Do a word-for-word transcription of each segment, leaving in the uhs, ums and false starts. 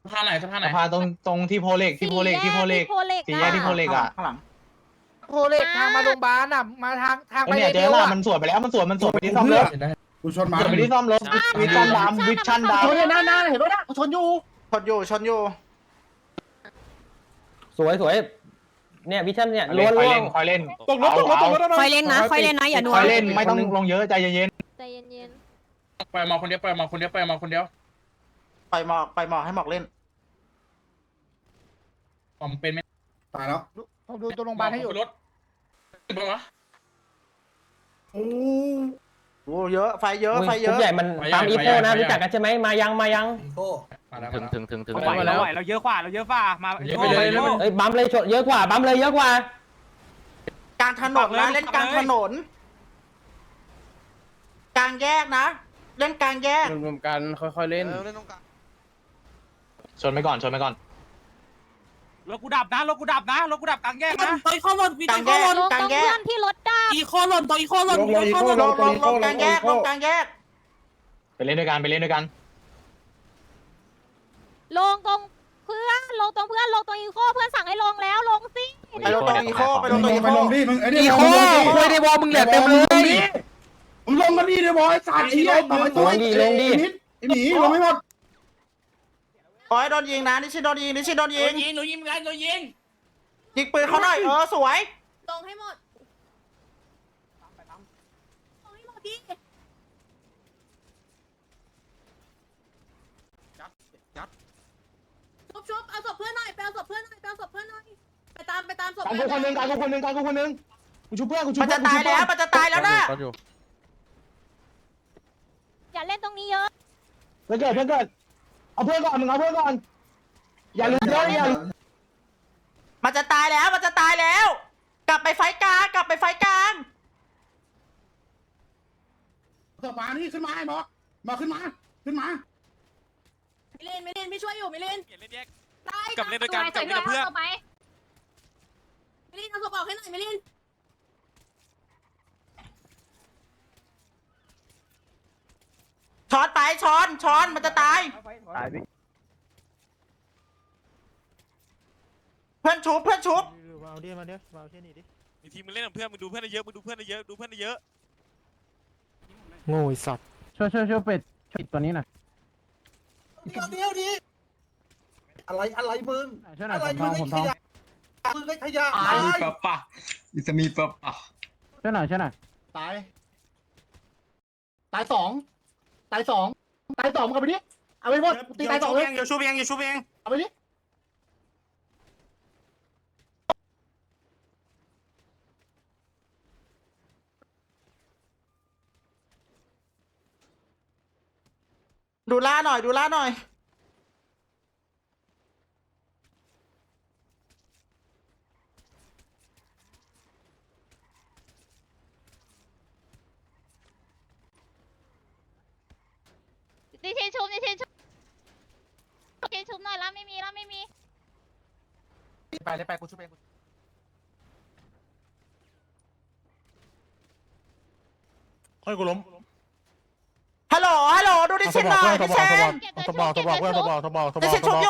สะพานไหนสะพานไหนสะพานตรงตรงที่โพเล็กที่โพเล็กที่โพเล็กสี่แยกที่โพเล็กอ่ะข้างหลังโพเล็กทางมาโรงพยาบาลอ่ะมาทางทางไปเนี่ยเลเจเดีอยวละอ่ะมันสวนไปแล้วมันสวนมันสวนไปที่ซ่อมรถกูชนมาสวนไปที่ซ่อมรถวิชั่นดำวิชั่นดำชนเลยหน้าหน้าเห็นปะนะชนอยู่ชนอยู่ชนอยู่สวยสวยเนี่ยวิชั่นเนี่ยเล่ล้วนคอยล้เล่วนนคอยเล่นตกรถตกรถตกรถค่อยเล่นนะค่อยเล่นนะอย่านัวคอยเล่นไม่ต้องลงเยอะใจเย็นใจเย็นไปมาคนเดียวไปมาคนเดียวไปมาคนเดียวไปหมอกไปหมอกให้หมอกเล่นผมเป็นไม่ตายแล้วผมดูตัวโรงพยาบาลให้อยู่รถเป็นวะโอ้โอ้เยอะไฟเยอะอุ้ยไฟเยกรุ๊อะปใหญ่มันตามอีโคนะรู้จักกันใช่ไหมมายังมายังมาแล้วถึงถึงถึงถึงไหวเราไหวเราเยอะกว่าเราเยอะกว่ามาเยอะไปเลยเอ้ยบัมเลยชนเยอะกว่าบัมเลยเยอะกว่ากลางถนนนะเล่นกลางถนน กลางแยกนะ เล่นกลางแยกรวมกันค่อยๆเล่นๆชนไปก่อนชนไปก่อนรถกูดับนะรถกูดับนะรถกูดับกลางแยกนะตัวอีโคหล่นมีกตัลาว งอีแยโคกหล่นๆลงตรงเพื่อนที่รถดับอีโคหล่นตัวอีโคหล่นลงลงอีโคลลงงลงลงกลางแยกลงกลางแยกไปเล่นด้วยกันไปเล่นด้วยกันลงตรงเพื่อนลงตรงเพื่อนลงตรงอีโคเพื่อนสั่งให้ลงแล้วลงสิไปลงตรงอีโคไปลงตรงอีไปโคลงดิมึงไอ้นี่อีโคคุยในวอลมึงเหลือเต็มเลยมึงลงกันดิเดี๋ยวบอยสาดไอ้เหี้ยต่อไปตัวไอ้ไอ้หมีลงไม่หมดขอให้โดนยิงนะนิชินโดนยิงนิชินโดนยิงยิงหนูยิงกันหนูยิงยิงปืนเขาหน่อยเออสวยลงให้หมดลงให้หมดดิชุบชุบเอาศพเพื่อนหน่อยไปเอาศพเพื่อนหน่อยไปเอาศพเพื่อนหน่อยไปตามไปตามศพการกูคนหนึ่งการกูคนหนึ่งการกูคนหนึ่งกูชูเพื่อนกูชูมันเพื่จะอนกูตายชูเพื่แล้อวน มันจะตายแล้วนะอย่าเล่นตรงนี้เยอะเพื่อนเกิดเพื่อนเกิดเอาเพื่อนก่อนมึงเอาเพื่อนก่อนอย่าลืมเยอะอย่ามันจะตายแล้วมันจะตายแล้ว กลับไปไฟกลางกลับไปไฟกลางสะพานนี่ขึ้นมาไอ้หมอมาขึ้นมาขึ้นมาไม่เล่นไม่เล่นไม่ช่วยอยู่ไม่เล่นเล่นแยกตายกับเล่นด้วยกันกับเล่นกับเพื่อนไม่เล่นเอาศพออกให้หน่อยไม่เล่นช้อนไปช้อนช้อนมันจะตายตายดิเพื่อนชุบเพื่อนชุบมาเอาดิมาเดี๋ยวมาเอาที่นี่ดิมีทีมมึงเล่นกับเพื่อนมึงดูเพื่อนเยอะมึงดูเพื่อนเยอะดูเพื่อนเยอะโง่สัตว์ช่วยช่วยช่วยเป็ดช่วยตัวนี้หน่อยเดี๋ยวเดี๋ยวดิอะไรอะไรมึงช่วยหน่อยผมทองผมทองมึงไอ้ขยะมีปะปะอิสมีปะปะช่วยหน่อยช่วยหน่อยตายตายสองตายสองตายสองมึงเอาไปดิเอาไปหมดตีตายสองเลยอย่าชูเองอย่าชูเองเอาไปดิดูล่าหน่อยดูล่าหน่อยดิเชนชุบดิเชนชุบดิเชนชุบหน่อยแล้วไม่มีแล้วไม่มีไปเลยไปกูช่วยเองค่อยกูล้มฮัลโหลฮัลโหลดูดิชินหน่อยดิเชนทบอกทบอกเพื่อนทบอกทบอกดิเชนชุบอยู่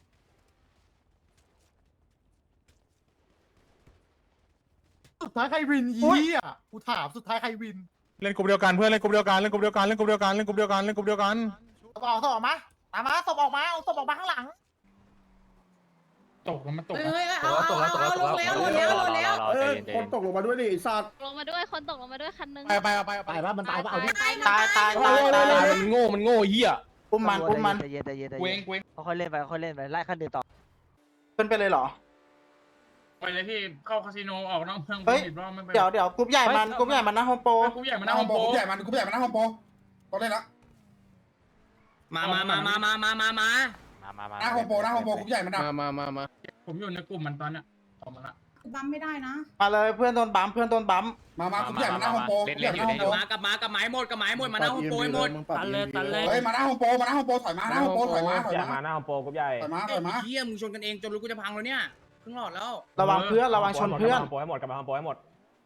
สุดท้ายใครวินอีอ่ะกูถามสุดท้ายใครวินเล่นกลุ่มเดียวกันเพื่อนเล่นกลุ่มเดียวกันเล่นกลุ่มเดียวกันเล่นกลุ่มเดียวกันเล่นกลุ่มเดียวกันเล่นกลุ่มเดียวกันศพออกศพออกมาตามมาศพออกมาเอาศพออกมาข้างหลังตกแล้วมันตกเฮ้ยเอาเอาเอาเอาลงแล้วลงแล้วลงแล้วเอ้ยคนตกลงมาด้วยดิไอ้สัตว์ลงมาด้วยคนตกลงมาด้วยคันนึงไปไปเอาไปไปว่ามันตายป่ะเอาดิตายตายตายตายมันโง่มันโง่เหี้ยอุ้มมันอุ้มมันใจเย็นใจเย็นใจเวเย็งนเวงค่อยเล่นไปค่อยเล่นไปไล่ขั้นเดินต่อเป็นไปเลยเหรอไปเลยพี่เข้าคาสิโนออกนอกเมืองเฮ้ยผิดรอบไม่เป็นเดี๋ยวเดี๋ยวกรุ๊ปใหญ่มันกรุ๊ปใหญ่มันนะโฮมโปรกูใหญ่มาหหน้าน้าห้ห้ออง งโปรโปกูใหญ่มันกูใหญ่มันหน้าห้องโปรต้องเล่นละมามามามามามามามามามามาหน้าห้องโปรหน้าห้องโปรกูใหญ่มันนะมามามามาผมอยู่ในกลุ่มมันตอนเนี้ยออกมาละบัมไม่ได้นะมาเลยเพื่อนโดนบัมเพื่อนโดนบัมมามากูใหญ่มันหน้าห้องโปรกูใหญ่มันหน้าห้องโปรมากับมากับไม้หมดกับไม้หมดมาหน้าโฮมโปรหมดตันเลยตันเลยเฮ้ยมาหน้าห้องโปรมาหน้าห้องโปรถอยมาหน้าห้องโปรถอยมาถอยใหญ่มามาหน้าของโปรกรุ๊ปใหญ่ถอยมาถอยมาเฮียมึงชนกันเองจนรู้กูจะพังแล้วเนี่ยครึ่งหลอดแล้วระวังเพื่อนระวังชนเพื่อนโปรให้หมดกับมาโปรให้หมด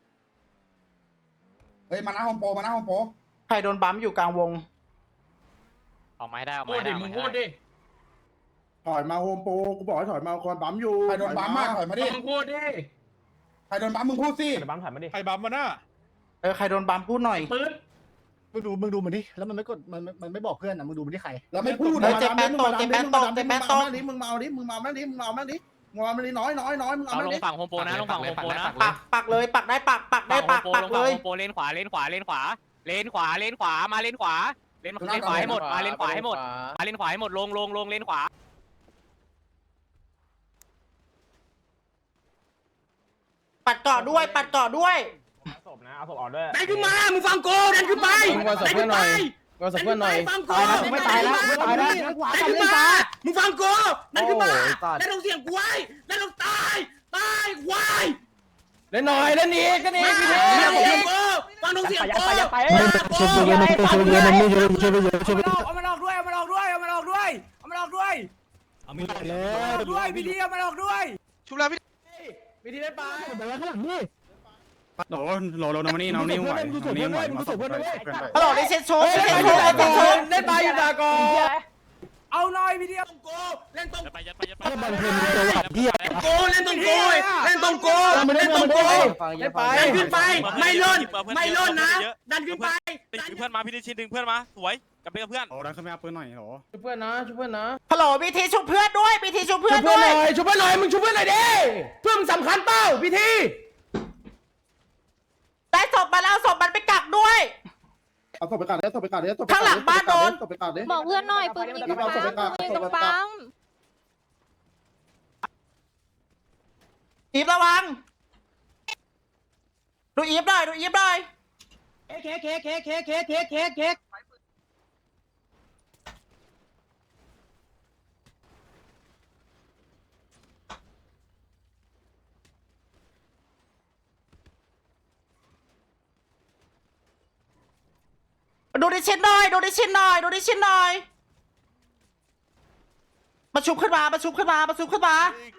เฮ้ยมาหน้าห้องโปรมาหน้าห้องโปรใครโดนบัมอยู่กลางวงออกมาให้ได้ออกโคมาตรให้ดิได้มึงโคตรดิถอยมาโฮมโปรกูบอกให้ถอยมาคอนบัมอยู่ใครโดนบัมมาถอยมาดิมึงพูดดิใครโดนบัมมึงพูดสิเดี๋ยวบัมถอยมาดิใครบัมมาน่ะเออใครโดนบัมพูดหน่อยปืนมึงดูมึงดูมันดิแล้วมันไม่กดมันมันไม่บอกเพื่อนอ่ะมึงดูมันที่ใครแล้วไม่พูดเฮ้ยเจ็บแปดโตเจ็บแปดโตเจ็บแปดโตมึงมาเอาดิมึงมาเอาดิมึงมาเอาดิมึงมาเอาดิมึงมาเอาดิน้อยน้อยน้อยมึงเอาเอาลงดิฝั่งโฮมโปรนะลงฝั่งโฮมโปรนะปักปักเลยปักได้ปักปักได้ปักปักลงเลฝั่งยโฮมโปรเลนขวาเลนขวาเลนขวาเลนขวาเลนขวามาเลนขวาเลนเลนขวาให้หมดมาเลนขวาให้หมดมาเลนขวาให้หมดลงลงลงเลนขวาปัดเกาะด้วยปัดเกาะด้วยเอาศพนะเอาศพออกด้วยดันขึ้นมามึงฟังกูดันขึ้นไปมึงวางศพเพื่อนหน่อยวางศพเพื่อนหน่อยฟังกูตายแล้วไม่ตายแล้วไม่ตายแล้วดันขึ้นมามึงฟังกูดันขึ้นมาดันลงเสียงกูไว้ดันลงตายตายควายเล่นหน่อยเล่นอีกเล่นอีกพี่เทดันลงเสียงกูฟังลงเสียงยัดกูไปยัดไปช่วยไปเยอะนะช่วยไปเยอะนะไม่ช่วยช่วยไปเยอะช่วยไปเยอะเอามันออกด้วยเอามันออกด้วยเอามันออกด้วยเอามันออกด้วยเอามันออกด้วยพี่ดีเอามันออกด้วยชุบแล้วพี่พี่ทีได้ไปแต่ว่าข้างหลังนี่โหลโหลโหลน้องนี่น้องนี่ไหวน้องนี่ไหวมาส่งเพื่อนฮัลโหลดิเชนโชว์ดิเชนโชว์ดิเชนโชว์ได้ไปอยู่ตากอเอาหน่อยพี่ดีเอาตรงกูเล่นตรงถ้าบันเทิงจะหลับเหี้ยกูเล่นตรงกูเล่นตรงกูเล่นตรงกูได้ไปดันขึ้นไปไม่ล่นไม่ล่นนะดันขึ้นไปดึงเพื่อนมาพี่ดิชินดึงเพื่อนมาสวยกลับไปกับเพื่อนโอ้ดันขึ้นไปเอาปืนหน่อยโหลช่วยเพื่อนนะช่วยเพื่อนนะฮัลโหลบีทีชุบเพื่อนด้วยบีทีชุบเพื่ช่อวน ยเพื่อนด้หวยน่อยช่วยเพื่อนหน่อยมึงช่วยเพื่อนหน่อยดิเพื่อนมึงสำคัญเป้าพี่ทีได้ศพมาแล้วศพมันไปกักด้วยเอาศพไปกัดเลยศพไปกัดเลยศพข้างหลังบ้านโดนศพไปกัดเลยบอกเพื่อนหน่อยปืนยิงตรงปั๊มปืนยิงตรงปั๊มอีฟระวังดูอีฟหน่อยดูอีฟหน่อยเค้กเค้กเค้กเค้กเค้กเค้กเค้กเค้กดูดิชินหน่อยดูดิชินหน่อยดูดิชินหน่อยมาชุบขึ้นมามาชุบขึ้นมามาชุบขึ้นมา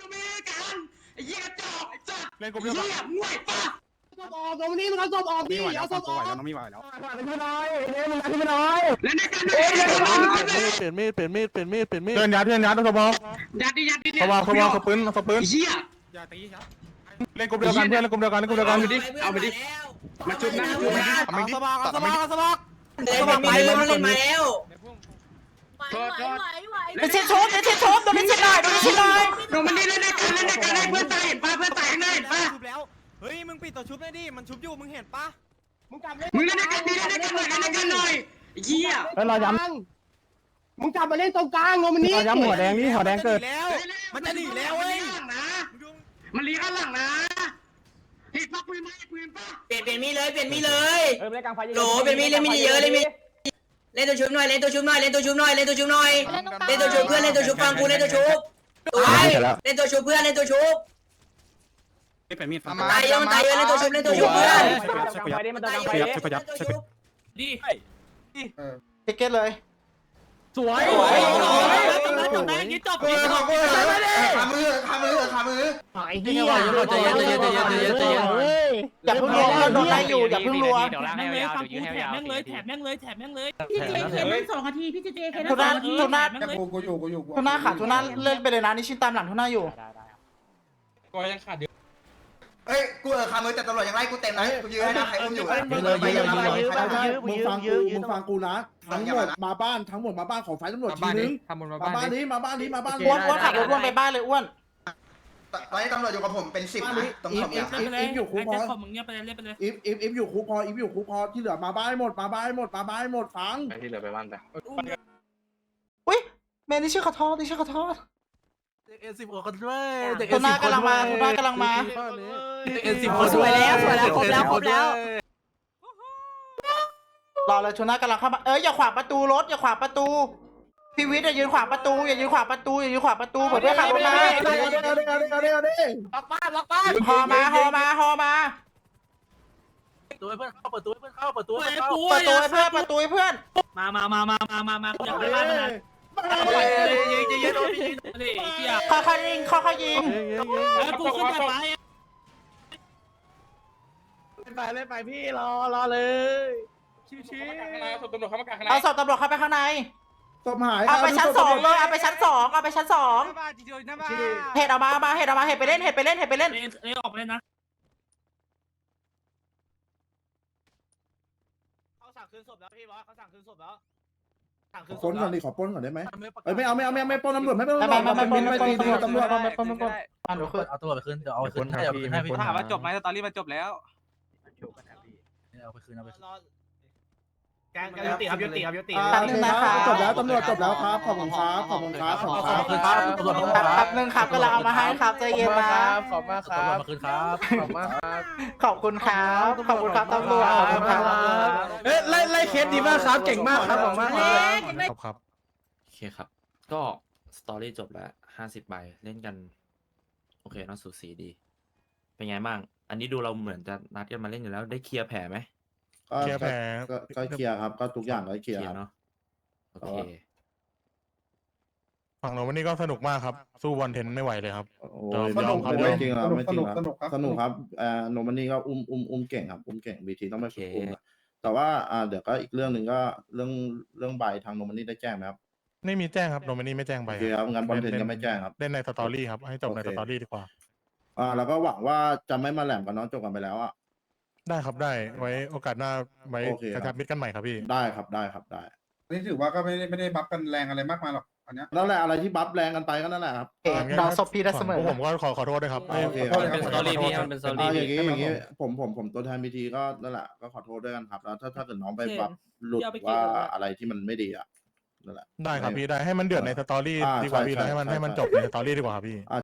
เล่นกูเดียวกันศพออกตรงนี้มึงเอาศพออกดิไม่ไหวแล้เอาวศฟังพอกูอกไหวแล้วน้องไม่ไหวแล้วขึ้นมาหน่อยเล่นขึ้นมาหน่อยเล่นด้วยกันเล่นด้วยกันเปลี่ยนมีดเปลี่ยนมีดเปลี่ยนมีดเปลี่ยนมีดเพื่อนยัดเพื่อนยัดต้องสบอยัดดิยัดดิสบอสบอสปืนสปืนเหี้ยอย่าตีครับเล่นกูเดียวกันเพื่อนเล่นกูเดียวกันเล่นกูเดียวกันเอาไปดิมาจุดนะจุดนะเอาสบอสบอสบอสมัครไปเลยมันเล่นมาแล้วไหวไหวไหวดิชินชุบดิชินชุบดูดิชินหน่อยดูดิชินหน่อยลงมันนี่เล่นด้วยกันเล่นด้วยกันเพื่อนตายเห็นป่ะเพื่อนตายข้างหน้าเห็นป่ะชุบแล้วเฮ้ยมึงปิดตัวชุบได้ดิมันชุบอยู่มึงเห็นปะมึงกลับเลยมึงเล่นด้วยกันดิเล่นด้วยกันหน่อยเล่นด้วยกันหน่อยเหี้ยเฮ้ยเราย้มึงกลับมาเล่นตรงกลางโนมันำนี่เราย้ำหัวแดงนี่หัวแดงเกิดแล้วมันจะหนีแล้วเว้ยมันลีข้างหลังนะเห็นป่ะปืนไหมปืนป่ะเปลี่ยนเปลี่ยนมีเลยเปลี่ยนมีเลยเออเล่นกลางไฟโหลเป็นมีดเล่นมีดเยอะเล่นมีดเล่นตัวชุบหน่อยเล่นตัวชุบหน่อยเล่นตัวชุบหน่อยเล่นตัวชุบหน่อยเล่นตรงปั๊มเล่นตัวชุบเพื่อนเล่นตัวชุบฟังกูเล่นตัวชุบตัวไอ้เล่นตัวชุบเพื่อนเล่นตัวชุบไม่เป็นมีดฟังตายเยอะมันตายเยอะเล่นตัวชุบเล่นตัวชุบเพื่อนกลางไฟดิมันกลางไฟขยับดิขยับขยับดิเก็ตเลยสวยยิงจบเอยิงอจขอบบคุณขามือขามือขามือไอ้เหี้ยใจเย็นใจเย็นใจเย็นใจเย็นใจเย็นอย่าเพิ่งรัวเพื่อนโดนไล่อยู่อย่าเพิ่งรัวเดี๋ยวล่างให้ยาวเดี๋ยวยื้อให้ยาวแม่งเลยแถบแม่งเลยแถบแม่งเลยพี่เจเคนั่งสองนาทีพี่เจเคนั่งทุสอน่างนาทีทุน่าแต่กูกูอยู่กูอยู่ทุน่าขาทุน่าเล่นไปเลยนะนี่ชินตามหลังทุน่าอยู่ก็ยังขาดเยอะเอ้ยกูเออขามือแต่ตำรวจยังไล่กูเต็มนะกูยืนให้นะใครอุ้มอยู่ไปยังไงมึงฟังกูมึงฟังกูนะทั้งหมดมาบ้านทั้งหมดมาบ้านของฝ่ายตำรวจทีนึงมาบ้านนี้มาบ้านนี้มาบ้านอ้วนอ้วนขับรถอ้วนไปบ้านเลยอ้วนตอนนี้ตำรวจอยู่กับผมเป็นสิบนะตรงสองอย่างอีฟอยู่คุกพอมึงเงียบไปเลยเล่นไปเลยอีฟอีฟอีฟอยู่คุกพออีฟอยู่คุกพอที่เหลือมาบ้านหมดมาบ้านหมดมาบ้านหมดฟังที่เหลือไปบ้านไปอุ้ยเมนี่ชื่อขอโทษนี่ชื่อขอโทษเอ็นสิบคนด้วยทุน่ากำลังมาทุน่ากำลังมาเอ็นสิบคนสวยแล้วสวยแล้วครบแล้วครบแล้วรอเลยทุน่ากำลังเข้ามาเอ้ยอย่าขวางประตูรถอย่าขวางประตูพี่วิทย์อย่ายืนขวางประตูอย่ายืนขวางประตูอย่ายืนขวางประตูเผื่อเพื่อนขับรถมาเอาดิเอาดิเอาดิเอาดิเอาดิล็อกบ้านล็อกบ้านฮอมาฮอมาฮอมาตัวเพื่อนเข้าเปิดตัวเพื่อนเข้าเปิดตัวไอ้เข้าปูเปิดตัวให้เพื่อนเปิดตัวให้เพื่อนมามามามามามามาอยากไปบ้านมันนะยิงยิงยิงโดนยิงนี่เหี้ยค่อยๆยิงค่อยๆยิงไอ้ปูขึ้นไปไปเล่นไปพี่รอรอเลยชิวๆข้างในศพตำรวจเข้ามากลางข้างในเอาศพตำรวจเข้าไปข้างในศพหายเอาไปชั้นสองเลยเอาไปชั้นสองเอาไปชั้นสองบ้าจีโดยหน้าบ้าเห็ดออกมามาเห็ดออกมาเห็ดไปเล่นเห็ดไปเล่นเห็ดไปเล่นเอ้ยออกไปเลยนะเขาสั่งคืนศพแล้วพี่บอสเขาสั่งคืนศพแล้วสั่งคืนศปล้พนแล้ก่อวนดิขอปล้นก่อนได้ไหมเอ้ยไม่เอาไม่เอาไม่เอาไม่ปล้นตำรวจไม่ปล้นไม่ไม่ไม่ไม่ไม่ไม่ตีไม่ตำรวจไม่ไม่ไม่ไม่อ่ะหนูคือเอาตัวไปคืนเดี๋ยวเอาไปคืนให้เอาไปคืนให้พี่ถามว่าจบไหมสตอรี่มันจบแล้วเอาไปคืนเอาไปคืนรอแกงยุติครับยุติครับยุติอ่าโอเคครับจบแล้วตำรวจจบแล้วครับขอบคุณครับขอบคุณครับขอบคุณครับขอบคุณครับตำรวจแป๊บแป๊บนึงครับก็เราเอามาให้ครับใจเย็นนะขอบมากครับขอบคุณครับขอบมากครับขอบคุณครับขอบคุณครับตำรวจขอบคุณครับเอ้ยไล่ไล่เคสดีมากครับเก่งมากครับผมมากครับครับครับโอเคครับ ก็สตอรี่จบแล้วห้าสิบใบเล่นกัน โอเคน่าสูสีดี เป็นไงบ้าง อันนี้ดูเราเหมือนจะนัดกันมาเล่นอยู่แล้วได้เคลียร์แผลไหมก็เคลียร์แผลก็ก็เคลียร์ครับก็ทุกอย่างก็เคลียร์เคลียครับร์เนาะโอเคฝั่งเราวันนี้ก็สนุกมากครับ สู้วันเทนไม่ไหวเลยครับโอ้ยอมยยอมครับไม่ยอมจริงครับไม่จริงครับสนุกครับเอ่อโนมันนี่ก็อุ้มอุ้มอุ้มเก่งครับอุ้มเก่งบีทีต้องไปฝึกอุ้มครับแต่ว่าอ่าเดี๋ยวก็อีกเรื่องหนึ่งก็เรื่องเรื่องใบทางโนมันนี่ได้แจ้งไหมครับไม่มีแจ้งครับโนมินีไม่แจ้งโอไปเคครับงั้นบอลเทนก็ไม่แจ้งครับเล่นในสตอรี่ครับให้จบในโอเคสตอรี่ดีกว่าอ่าแล้วก็หวังว่าจะไม่มาแหลมกับน้องจบกันไปแล้วอ่ะได้ครับได้ไว้โอกาสหน้าไว้โอเคกครับระชับมิตรกันใหม่ครับพี่ได้ครับได้ครับได้นี่ถือว่าก็ไม่ได้ไม่ได้บัฟกันแรงอะไรมากมายหรอกอันเนี้ยนั่นแหละอะไรที่บัฟแรงกันไปก็นั่นแหละครับเอ๊ะน้องศพพี่ได้เสมอพวกผมก็ขอขอโทษด้วยครับโอเคมันเป็นสตอรี่พี่มันเป็นสตอรี่อ่าอย่างพี่นี้อย่างนี้ผมผมผมตัวแทนบีทีก็นั่นแหละก็ขอโทษด้วยกันครับแล้วถ้าถ้าเกิดน้องไปบัฟหลุดว่าอะไรที่มันไม่ดีอ่ะนั่นแหละได้ครับพี่ได้ให้มันเดือดในสตอรี่อ่าดีกว่าพี่ใช่แล้วให้มันใช่ให้มันใช่จบในสตอรี่ดีกว่าครับพี่